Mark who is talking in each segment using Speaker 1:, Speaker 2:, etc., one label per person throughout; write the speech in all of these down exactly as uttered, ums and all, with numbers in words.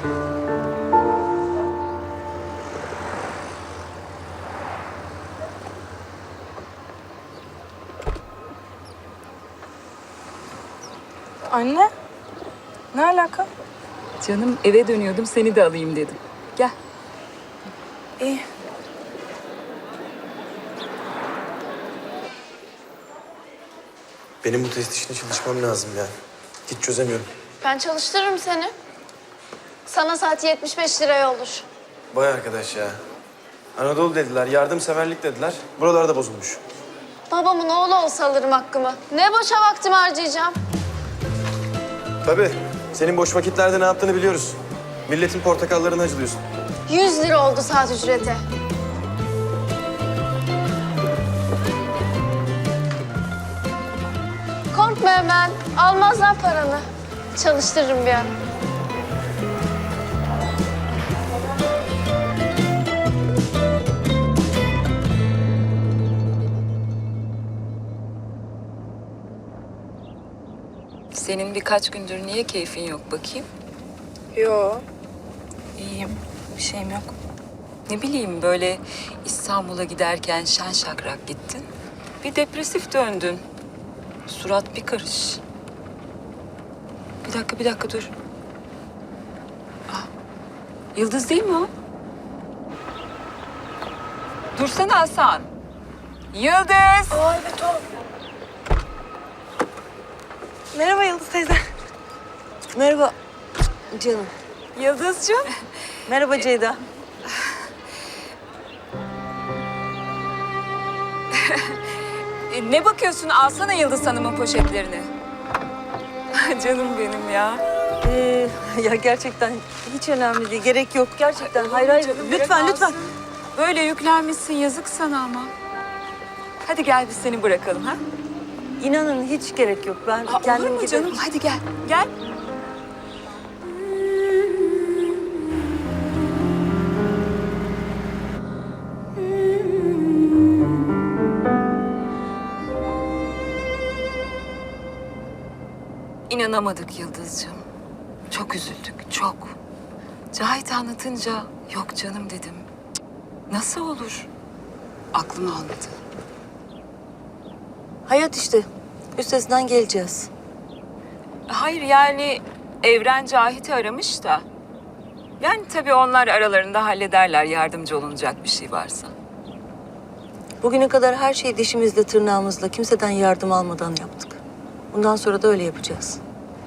Speaker 1: Anne, ne alaka?
Speaker 2: Canım eve dönüyordum, seni de alayım dedim. Gel.
Speaker 1: İyi.
Speaker 3: Benim bu test işine çalışmam lazım ya. Hiç çözemiyorum.
Speaker 4: Ben çalıştırırım seni. Sana saati yetmiş beş liraya olur.
Speaker 3: Vay arkadaş ya. Anadolu dediler, yardımseverlik dediler. Buralarda bozulmuş.
Speaker 4: Babamın oğlu olsa alırım hakkımı. Ne boşa vaktimi harcayacağım.
Speaker 3: Tabii. Senin boş vakitlerde ne yaptığını biliyoruz. Milletin portakallarını acılıyorsun.
Speaker 4: Yüz lira oldu saat ücreti. Korkma hemen. Almazlar paranı. Çalıştırırım bir an.
Speaker 2: Senin birkaç gündür niye keyfin yok bakayım?
Speaker 1: Yo, iyiyim. Bir şeyim yok.
Speaker 2: Ne bileyim böyle İstanbul'a giderken şen şakrak gittin. Bir depresif döndün. Surat bir karış. Bir dakika, bir dakika dur. Ah, Yıldız değil mi o? Dursana Hasan. Yıldız!
Speaker 1: Aa evet o. Merhaba Yıldız teyze.
Speaker 5: Merhaba canım.
Speaker 2: Yıldızcığım.
Speaker 5: Merhaba Ceyda.
Speaker 2: E, ne bakıyorsun? Alsana Yıldız Hanım'ın poşetlerini. Canım benim ya.
Speaker 5: Ee, ya gerçekten hiç önemli değil. Gerek yok gerçekten. Hayır hayır.
Speaker 2: Canım, bırak
Speaker 5: Lütfen
Speaker 2: alsın.
Speaker 5: lütfen.
Speaker 2: Böyle yüklenmişsin, yazık sana ama. Hadi gel biz seni bırakalım ha.
Speaker 5: İnanın hiç gerek yok. Ben
Speaker 2: Aa,
Speaker 5: kendim
Speaker 2: olur mu
Speaker 5: giderim.
Speaker 2: canım? Hadi gel, gel. İnanamadık Yıldızcığım. Çok üzüldük, çok. Cahit anlatınca yok canım dedim. Cık, nasıl olur? Aklım almadı.
Speaker 5: Hayat işte. Üstesinden geleceğiz.
Speaker 2: Hayır yani Evren Cahit'i aramış da. Yani tabii onlar aralarında hallederler yardımcı olunacak bir şey varsa.
Speaker 5: Bugüne kadar her şeyi dişimizle tırnağımızla kimseden yardım almadan yaptık. Bundan sonra da öyle yapacağız.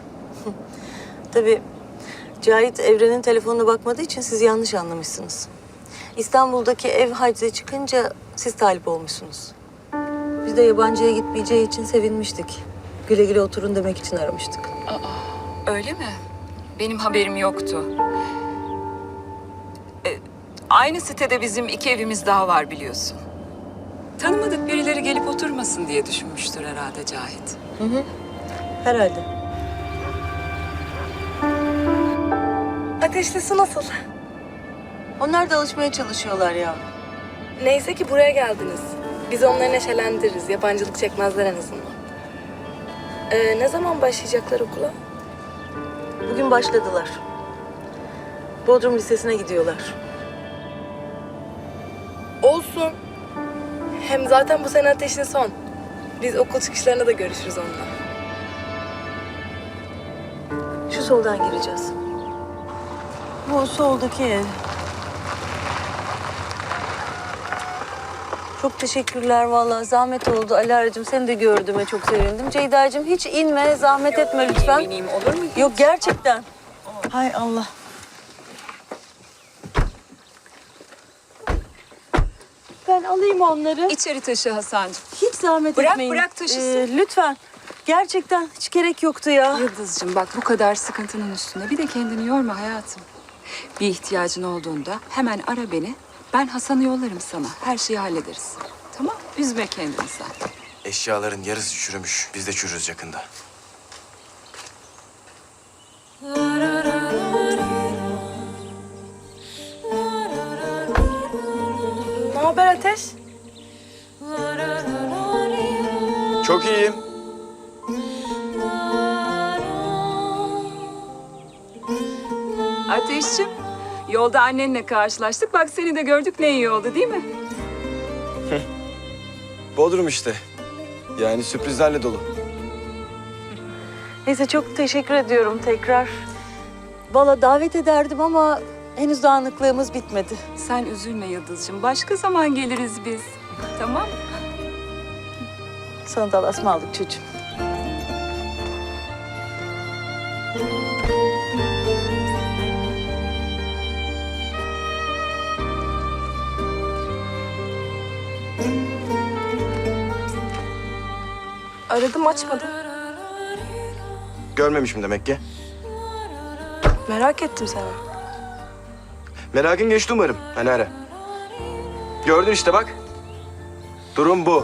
Speaker 5: Tabii Cahit Evren'in telefonuna bakmadığı için siz yanlış anlamışsınız. İstanbul'daki ev hacize çıkınca siz talip olmuşsunuz. Biz de yabancıya gitmeyeceği için sevinmiştik. Güle güle oturun demek için aramıştık.
Speaker 2: Öyle mi? Benim haberim yoktu. E, aynı sitede bizim iki evimiz daha var biliyorsun. Tanımadık birileri gelip oturmasın diye düşünmüştür herhalde Cahit.
Speaker 5: Hı hı. Herhalde.
Speaker 1: Ateşli su nasıl?
Speaker 5: Onlar da alışmaya çalışıyorlar ya.
Speaker 1: Neyse ki buraya geldiniz. Biz onları neşelendiririz. Yabancılık çekmezler en azından. Ee, ne zaman başlayacaklar okula?
Speaker 5: Bugün başladılar. Bodrum Lisesi'ne gidiyorlar.
Speaker 1: Olsun. Hem zaten bu sene ateşin son. Biz okul çıkışlarında da görüşürüz onunla.
Speaker 5: Şu soldan gireceğiz. Bu soldaki ev. Çok teşekkürler vallahi. Zahmet oldu. Alara'cığım seni de gördüğüme çok sevindim. Ceyda'cığım hiç inme, zahmet etme lütfen.
Speaker 2: Eminim olur mu?
Speaker 5: Yok gerçekten. Hay Allah. Ben alayım onları.
Speaker 2: İçeri taşı Hasan'cığım.
Speaker 5: Hiç zahmet
Speaker 2: Bırak,
Speaker 5: etmeyin.
Speaker 2: bırak taşısın.
Speaker 5: Ee, lütfen. Gerçekten hiç gerek yoktu ya.
Speaker 2: Yıldız'cığım bak bu kadar sıkıntının üstüne bir de kendini yorma hayatım. Bir ihtiyacın olduğunda hemen ara beni. Ben Hasan'ı yollarım sana. Her şeyi hallederiz. Tamam? Üzme kendini sen.
Speaker 3: Eşyaların yarısı çürümüş. Biz de çürürüz yakında.
Speaker 1: Ne haber Ateş?
Speaker 3: Çok iyiyim.
Speaker 2: Ateşciğim, yolda annenle karşılaştık. Bak seni de gördük, ne iyi oldu değil mi?
Speaker 3: Bodrum işte. Yani sürprizlerle dolu.
Speaker 5: Neyse çok teşekkür ediyorum tekrar. Valla davet ederdim ama henüz dağınıklığımız bitmedi.
Speaker 2: Sen üzülme Yıldız'cığım. Başka zaman geliriz biz. Tamam mı?
Speaker 5: Sana da Allah'a ısmarladık çocuğum.
Speaker 1: Aradım açmadın.
Speaker 3: Görmemişim demek ki.
Speaker 1: Merak ettim seni.
Speaker 3: Merakın geçti umarım. Hani ara. Gördün işte bak. Durum bu.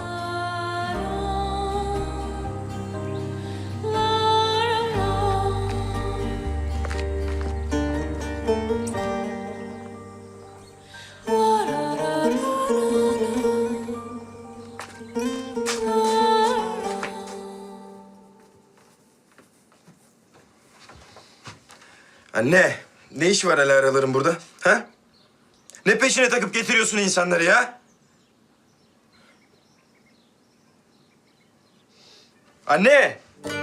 Speaker 3: Anne, ne iş var hele araların burada? Ha? Ne peşine takıp getiriyorsun insanları ya? Anne!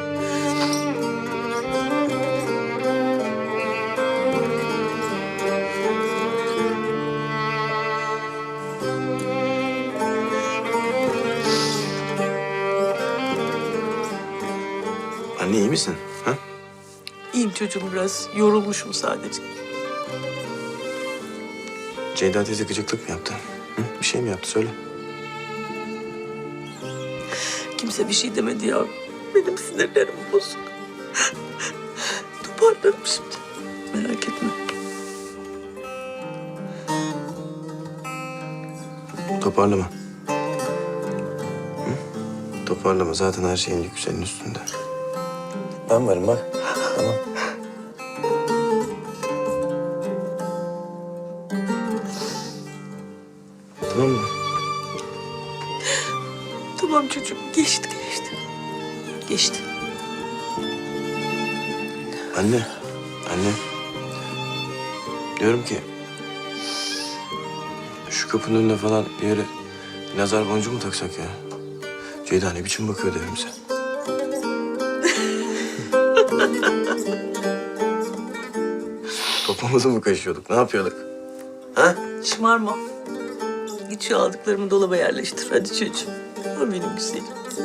Speaker 3: Anne iyi misin? Ha?
Speaker 5: İyiyim çocuğum, biraz yorulmuşum sadece.
Speaker 3: Ceyda teyze gıcıklık mı yaptı? Hı? Bir şey mi yaptı? Söyle.
Speaker 5: Kimse bir şey demedi ya. Benim sinirlerim bozuk. Toparlarım şimdi. Merak etme.
Speaker 3: Toparlama. Hı? Toparlama. Zaten her şeyin yükü senin üstünde. Ben varım bak. Tamam. Tamam mı?
Speaker 5: Tamam çocuğum, geçti geçti. Geçti.
Speaker 3: Anne. Anne. Diyorum ki... Şu kapının önüne falan bir yere nazar boncuğu mu taksak ya? Ceyda ne biçim bakıyor evimize? Topumuzu mu kaşıyorduk? Ne yapıyorduk? Ha?
Speaker 5: Şımarma. Git şu aldıklarımı dolaba yerleştir. Hadi çocuğum. O benim güzelim.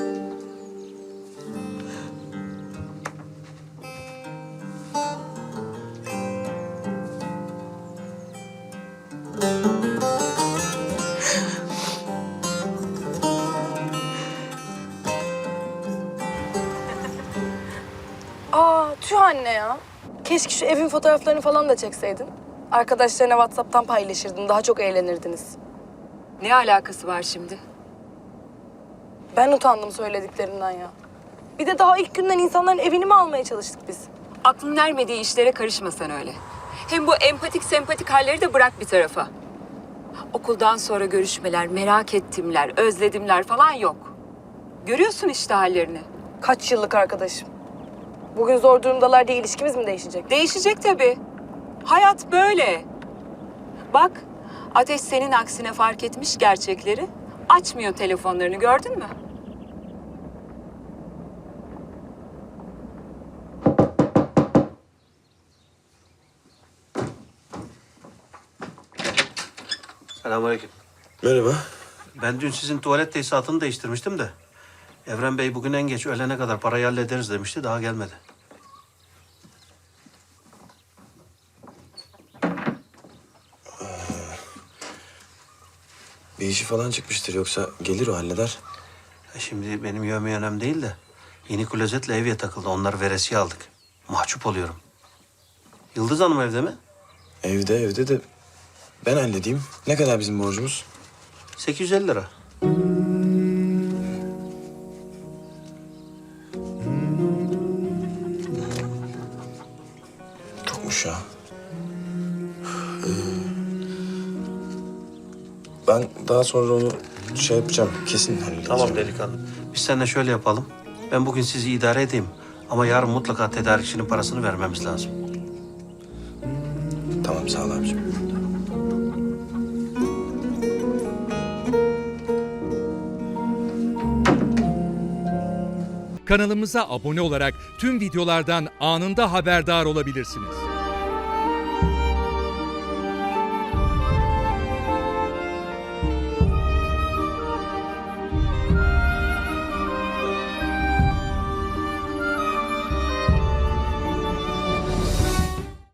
Speaker 1: Aa tüh anne ya. Keşke şu evin fotoğraflarını falan da çekseydin. Arkadaşlarına WhatsApp'tan paylaşırdın. Daha çok eğlenirdiniz.
Speaker 2: Ne alakası var şimdi?
Speaker 1: Ben utandım söylediklerinden ya. Bir de daha ilk günden insanların evini mi almaya çalıştık biz?
Speaker 2: Aklın ermediği işlere karışma sen öyle. Hem bu empatik sempatik halleri de bırak bir tarafa. Okuldan sonra görüşmeler, merak ettimler, özledimler falan yok. Görüyorsun işte hallerini.
Speaker 1: Kaç yıllık arkadaşım. Bugün zor durumdalar diye ilişkimiz mi değişecek?
Speaker 2: Değişecek tabii. Hayat böyle. Bak, Ateş senin aksine fark etmiş gerçekleri. Açmıyor telefonlarını, gördün mü?
Speaker 6: Selamünaleyküm.
Speaker 3: Merhaba.
Speaker 6: Ben dün sizin tuvalet tesisatını değiştirmiştim de... Evren Bey bugün en geç öğlene kadar parayı hallederiz demişti. Daha gelmedi.
Speaker 3: Bir işi falan çıkmıştır yoksa gelir o halleder.
Speaker 6: E şimdi benim yövmeye önemli değil de... Yeni klozetle evye takıldı. Onları veresiye aldık. Mahcup oluyorum. Yıldız Hanım evde mi?
Speaker 3: Evde evde de ben halledeyim. Ne kadar bizim borcumuz?
Speaker 6: sekiz yüz elli lira.
Speaker 3: Çokmuş ya. Ee, ben daha sonra onu şey yapacağım. Kesin halledeceğim.
Speaker 6: Tamam delikanlı. Biz seninle şöyle yapalım. Ben bugün sizi idare edeyim. Ama yarın mutlaka tedarikçinin parasını vermemiz lazım.
Speaker 3: Tamam sağ ol abicim.
Speaker 7: Kanalımıza abone olarak tüm videolardan anında haberdar olabilirsiniz.